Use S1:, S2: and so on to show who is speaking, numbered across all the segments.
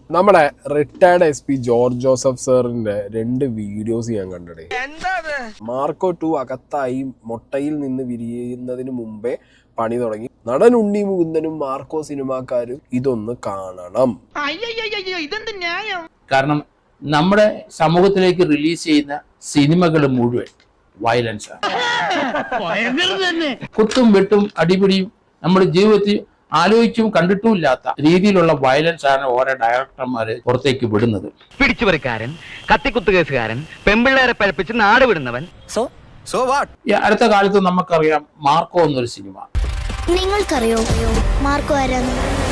S1: നമ്മുടെ retired SP George Joseph സാറിന്റെ 2 videos ഞാൻ കണ്ടിടേ. മാർക്കോ 2 അകത്തായി മൊട്ടയിൽ നിന്ന് വിരിയുന്നതിന് മുമ്പേ പണി തുടങ്ങി. നടൻ ഉണ്ണി മുകുന്ദനും മാർക്കോ സിനിമാക്കാരും ഇതൊന്ന് കാണണം.
S2: കാരണം നമ്മുടെ സമൂഹത്തിലേക്ക് റിലീസ് ചെയ്യുന്ന സിനിമകൾ മുഴുവൻ വയലൻസ് ആണ്. കുത്തും വെട്ടും അടിപിടിയും നമ്മുടെ ജീവിതത്തിൽ ആലോചിച്ചും കണ്ടിട്ടും ഇല്ലാത്ത രീതിയിലുള്ള വയലൻസ് ആണ് ഓരോ ഡയറക്ടർമാര് പുറത്തേക്ക് വിടുന്നത്.
S3: പിടിച്ചുപറിക്കാരൻ, കത്തിക്കുത്തുകേസുകാരൻ, പെമ്പിള്ളേരെ പഴപ്പിച്ച് നാട് വിടുന്നവൻ.
S2: അടുത്ത കാലത്ത് നമുക്കറിയാം മാർക്കോ എന്നൊരു സിനിമ.
S4: നിങ്ങൾക്കറിയോ മാർക്കോ ആരാന്ന്?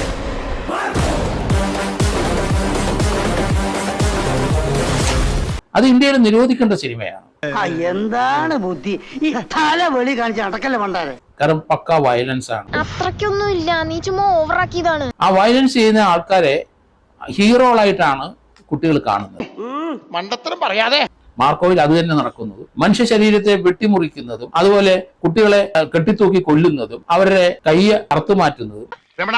S2: അത് ഇന്ത്യയിൽ നിരോധിക്കേണ്ട സിനിമയാണ്.
S5: എന്താണ് ബുദ്ധി ഈ തല വെളി കാണിച്ച് അടക്കല്ലേ പണ്ടാരെ?
S2: കാരണം പക്ക വയലൻസ് ആണ്.
S4: അത്രയ്ക്കൊന്നും ഇല്ല, നീ ചുമ്മാ ഓവറാക്കിയതാണ്.
S2: ആ വയലൻസ് ചെയ്യുന്ന ആൾക്കാരെ ഹീറോകളായിട്ടാണ് കുട്ടികൾ കാണുന്നത്.
S6: മണ്ടത്തരം പറയാതെ.
S2: മാർക്കോയിൽ അത് തന്നെ നടക്കുന്നത്. മനുഷ്യ ശരീരത്തെ വെട്ടിമുറിക്കുന്നതും അതുപോലെ കുട്ടികളെ കെട്ടിത്തൂക്കി കൊല്ലുന്നതും അവരുടെ കയ്യെ അറുത്തുമാറ്റുന്നതും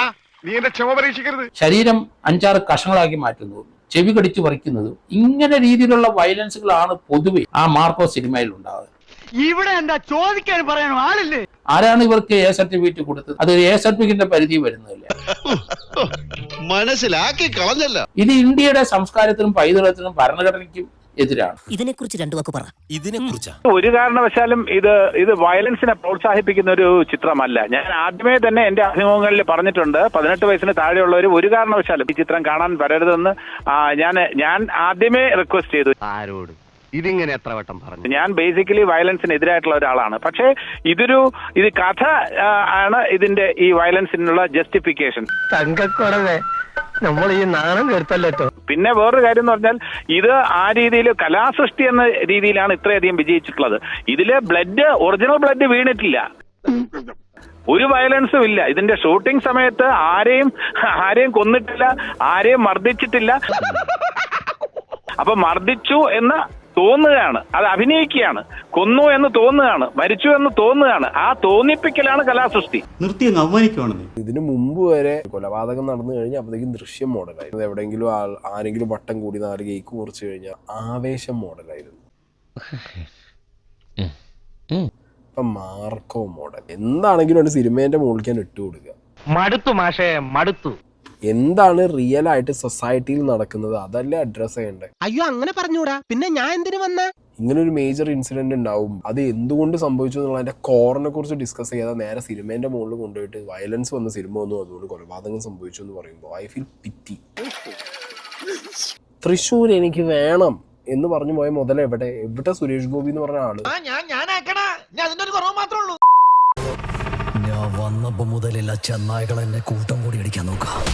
S2: ശരീരം 5-6 കഷങ്ങളാക്കി മാറ്റുന്നതും ചെവി കടിച്ചു പറിക്കുന്നതും ഇങ്ങനെ രീതിയിലുള്ള വയലൻസുകളാണ് പൊതുവെ ആ മാർക്കോ സിനിമയിൽ ഉണ്ടാകുന്നത്.
S5: ഇവിടെ എന്താ ചോദിക്കാൻ പറയാനോ ആളില്ലേ?
S2: ആരാണ് ഇവർക്ക് A സർട്ടിഫിക്കറ്റ് കൊടുത്തത്? അത് A സർട്ടിഫിക്കറ്റിന്റെ പരിധി വരുന്നില്ല.
S6: മനസ്സിലാക്കി കളഞ്ഞല്ല.
S2: ഇത് ഇന്ത്യയുടെ സംസ്കാരത്തിനും പൈതൃകത്തിനും ഭരണഘടനയ്ക്കും എതിരാണ്.
S7: ഇതിനെക്കുറിച്ച് 2 വാക്ക് പറ. ഇതിനെക്കുറിച്ച്
S8: ഒരു കാരണവശാലും ഇത് വയലൻസിനെ പ്രോത്സാഹിപ്പിക്കുന്ന ഒരു ചിത്രമല്ല. ഞാൻ ആദ്യമേ തന്നെ എന്റെ അഭിമുഖങ്ങളിൽ പറഞ്ഞിട്ടുണ്ട്, 18 വയസ്സിന് താഴെയുള്ളവർ ഒരു കാരണവശാലും ഈ ചിത്രം കാണാൻ വരരുതെന്ന് ഞാൻ ആദ്യമേ റിക്വസ്റ്റ് ചെയ്തു.
S3: ആരോട് ഇതിങ്ങനെ എത്ര വട്ടം പറഞ്ഞു?
S8: ഞാൻ ബേസിക്കലി വയലൻസിന് എതിരായിട്ടുള്ള ഒരാളാണ്. പക്ഷേ ഇത് കഥ ആണ് ഇതിന്റെ ഈ വയലൻസിനുള്ള ജസ്റ്റിഫിക്കേഷൻ.
S5: തങ്കക്കുറവേ, നമ്മൾ ഈ നാണം കേട്ടല്ലോ.
S8: പിന്നെ വേറൊരു കാര്യം എന്ന് പറഞ്ഞാൽ ഇത് ആ രീതിയിൽ കലാസൃഷ്ടി എന്ന രീതിയിലാണ് ഇത്രയധികം വിജയിച്ചിട്ടുള്ളത്. ഇതില് ഒറിജിനൽ ബ്ലഡ് വീണിട്ടില്ല, ഒരു വയലൻസും ഇല്ല. ഇതിന്റെ ഷൂട്ടിംഗ് സമയത്ത് ആരെയും കൊന്നിട്ടില്ല, ആരെയും മർദ്ദിച്ചിട്ടില്ല. അപ്പൊ മർദ്ദിച്ചു എന്ന് തോന്നുകയാണ്, അത് അഭിനയിക്കുകയാണ്. കൊന്നു എന്ന് തോന്നുകയാണ്, മരിച്ചു എന്ന് തോന്നുകയാണ്. ആ തോന്നിപ്പിക്കലാണ് കലാസൃഷ്ടി.
S1: ഇതിനു മുമ്പ് വരെ കൊലപാതകം നടന്നു കഴിഞ്ഞാൽ അപ്പോഴത്തേക്കും ദൃശ്യം മോഡലായിരുന്നു. എവിടെയെങ്കിലും ആരെങ്കിലും വട്ടം കൂടി 4 കേക്ക് മുറിച്ചു കഴിഞ്ഞാൽ ആവേശം മോഡലായിരുന്നു. ഇപ്പൊ മാർക്കോ മോഡൽ എന്താണെങ്കിലും ആണ് സിനിമേന്റെ മുകളിൽ ഇട്ട് കൊടുക്കുക.
S3: മടുത്തു മാഷേ, മടുത്തു.
S1: എന്താണ് റിയൽ ആയിട്ട് സൊസൈറ്റിയിൽ നടക്കുന്നത് അതല്ലേ അഡ്രസ് ചെയ്യണ്ടേ?
S7: അയ്യോ അങ്ങനെ പറഞ്ഞൂടാ, പിന്നെ ഞാൻ എന്തിനു വന്ന?
S1: ഇങ്ങനെ ഒരു മേജർ ഇൻസിഡന്റ് ഉണ്ടാവും, അത് എന്തുകൊണ്ട് സംഭവിച്ചു എന്നുള്ള അതിന്റെ കോറിനെ കുറിച്ച് ഡിസ്കസ് ചെയ്യാതെ നേരെ സിനിമേന്റെ മുകളിൽ കൊണ്ടുപോയിട്ട് വയലൻസ് വന്ന സിനിമ വന്നു, അതുകൊണ്ട് കൊലപാതകം സംഭവിച്ചു എന്ന് പറയുമ്പോൾ ഐ ഫീൽ പിറ്റി. തൃശ്ശൂർ എനിക്ക് വേണം എന്ന് പറഞ്ഞു പോയ മുതൽ എവിടെ സുരേഷ് ഗോപി എന്ന് പറഞ്ഞ ആള്?
S7: ഞാൻ വന്നപ്പോ മുതലെല്ലാ ചെന്നായ്കൾ എന്നെ കൂട്ടം കൂടി അടിക്കാൻ നോക്കാം.